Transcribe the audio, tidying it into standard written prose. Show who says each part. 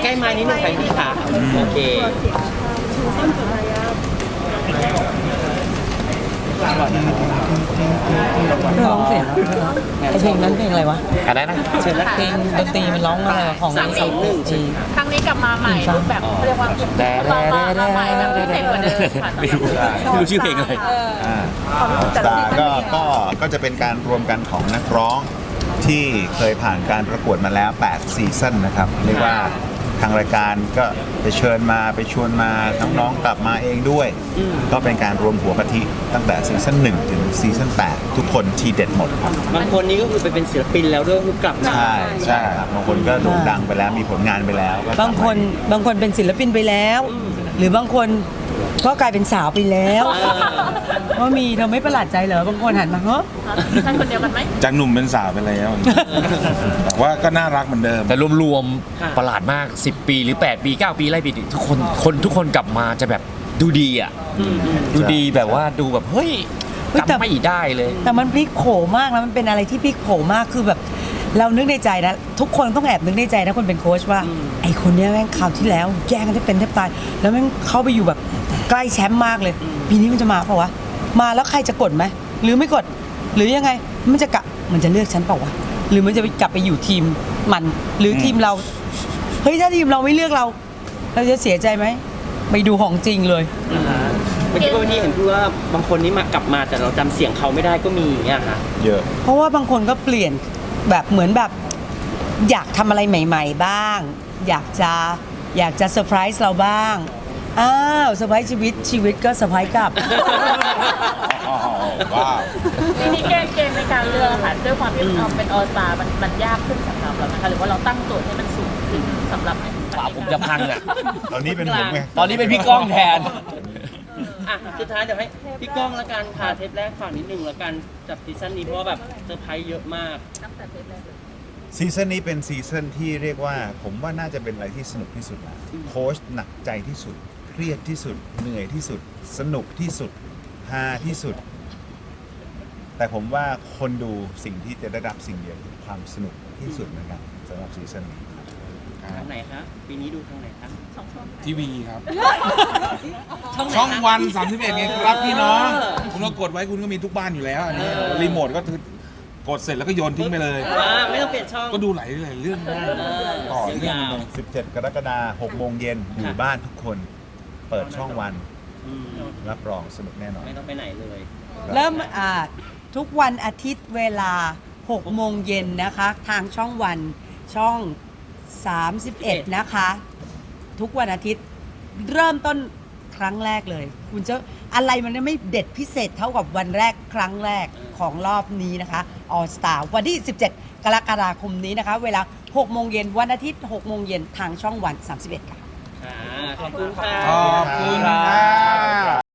Speaker 1: ล้ๆไม้นิดนึงใครพี่ขาโอเค
Speaker 2: ร้องเสียงไอเพลงนั้นเพลงอะไรวะ
Speaker 3: อะไรนะ
Speaker 1: เชิญนะ
Speaker 2: เพลงดนตรีมันร้องอะไรของ
Speaker 4: ครั้งนี้กลับมาใหม่รูปแบบเรียกว่ามาใหม่แบบพิเศษกว่าเดิมค่ะ
Speaker 3: ไม่รู้ชื่อเพลงอะไร
Speaker 5: สตาร์ก็จะเป็นการรวมกันของนักร้องที่เคยผ่านการประกวดมาแล้ว8ซีซั่นนะครับเรียกว่าทางรายการก็ไปเชิญมาไปชวนมาน้องๆกลับมาเองด้วย ก็เป็นการรวมหัวกะทิตั้งแต่ซีซั่น1ถึงซีซั่น8ทุกคนทีเด็ดหมดครับ
Speaker 1: บางคนนี้ก็คือไปเป็นศิลปินแล้วด้วยคือกลับมา
Speaker 5: ใช่ครับบางคนก็โด่งดังไปแล้วมีผลงานไปแล้วก็
Speaker 2: บางคนเป็นศิลปินไปแล้ว หรือบางคนก็กลายเป็นสาวไปแล้วว่ามีเธอไม่ประหลาดใจเหรอบางคนหันมาเฮ้ย
Speaker 4: ท่านคนเดียวกันไหม
Speaker 6: จากหนุ่มเป็นสาวไปแล้วแต่ว่าก็น่ารักเหมือนเดิม
Speaker 3: แต่รวมๆประหลาดมาก10 ปีหรือ8 ปี9 ปีไล่ปีทุกคนกลับมาจะแบบดูดีอ่ะดูดีแบบว่าดูแบบเฮ้ยจำไม่ได้เลย
Speaker 2: แต่มันพลิกโผมากแล้วมันเป็นอะไรที่พลิกโผมากคือแบบเรานึกในใจนะทุกคนต้องแอบนึกในใจนะคนเป็นโค้ชว่าไอคนเนี้ยแม่งคราวที่แล้วแย่งกันได้เป็นแทบตายแล้วแม่งเข้าไปอยู่แบบใกล้แชมป์มากเลยปีนี้มันจะมาเปล่าวะมาแล้วใครจะกดไหมหรือไม่กดหรือยังไงมันจะเลือกฉันเปล่าวะหรือมันจะกลับไปอยู่ทีมมันหรือทีมเราเฮ้ยถ้าทีมเราไม่เลือกเราจะเสียใจไหมไปดูของจริงเลย
Speaker 1: เมื่อกี้วันนี้เห็นพูดว่าบางคนนี้มากลับมาแต่เราจำเสียงเขาไม่ได้ก็มีอย่างเงี้ยค่ะ
Speaker 5: เยอะ
Speaker 2: เพราะว่าบางคนก็เปลี่ยนแบบเหมือนแบบอยากทำอะไรใหม่ๆบ้างอยากจะเซอร์ไพรส์เราบ้างอ้าวเซอร์ไพรส์ชีวิตก็เซอร์ไพรส์กลับ
Speaker 5: ว้าว
Speaker 4: ทีนี้เกมในการเลือกค่ะด้วยความที่เป็นออสตามันยากขึ้นสำหรับเรานะคะหรือว่าเราตั้งโจทย์ให้มันสูงขึ้นสำหรับ
Speaker 3: ปากผมจะพังอ่ะ
Speaker 5: ตอนนี้เป็นผมไง
Speaker 3: ตอนนี้เป็นพี่ก้องแทน
Speaker 1: อ่ะสุดท้ายเดี๋ยวให้พี่ก้องละกันพาเทปแรกฝากนิดนึงละกันจากซีซั่นนี้เพราะว่าแบบเซอร์ไพรส์เยอะมาก
Speaker 4: ตั้งแต่เทปแรกเลย
Speaker 5: ซีซั่นนี้เป็นซีซั่นที่เรียกว่าผมว่าน่าจะเป็นอะไรที่สนุกที่สุดนะโค้ชหนักใจที่สุดเครียดที่สุดเหนื่อยที่สุดสนุกที่สุดฮาที่สุด แต่ผมว่าคนดูสิ่งที่จะได้รับสิ่งเดียวคือความสนุกที่สุดนะครับสำหรับซีซั่นนี้
Speaker 1: ทางไหนครับปีนี้ดูทางไหนครับ
Speaker 6: ทีวีครับ
Speaker 1: ช่องไหน
Speaker 6: ช่อง
Speaker 1: ครับ
Speaker 6: วัน31ไงครับพี่น้อง คุณก็กดไว้คุณก็มีทุกบ้านอยู่แล้วอันนี้รีโมทก็คือกดเสร็จแล้วก็โยนทิ้งไปเลย
Speaker 1: ไม่ต้องเปลี่ยนช่อง
Speaker 6: ก็ดูหลายเรื่องได้ต่อเรื่อง
Speaker 1: ยาว
Speaker 6: เลย
Speaker 5: 17 กรกฎาคม 6 โมงเย็นอยู่บ้านทุกคนเปิดช่องวัน
Speaker 1: อืม
Speaker 5: รับรองสนุกแน่นอน
Speaker 1: ไม่ต้องไปไหนเลย
Speaker 2: เริ่มทุกวันอาทิตย์เวลา 6 โมงเย็นนะคะ ทางช่องวันช่อง 31 นะคะ ทุกวันอาทิตย์เริ่มต้นครั้งแรกเลย คุณจะอะไรมันไม่เด็ดพิเศษเท่ากับวันแรกครั้งแรกของรอบนี้นะคะ All Star วันที่ 17 กรกฎาคมนี้นะคะ เวลา 6 โมงเย็นวันอาทิตย์ 6 โมงเย็นทางช่องวัน 31 ค่ะ
Speaker 1: ขอบคุณค่ะ
Speaker 6: ขอบคุณค่ะ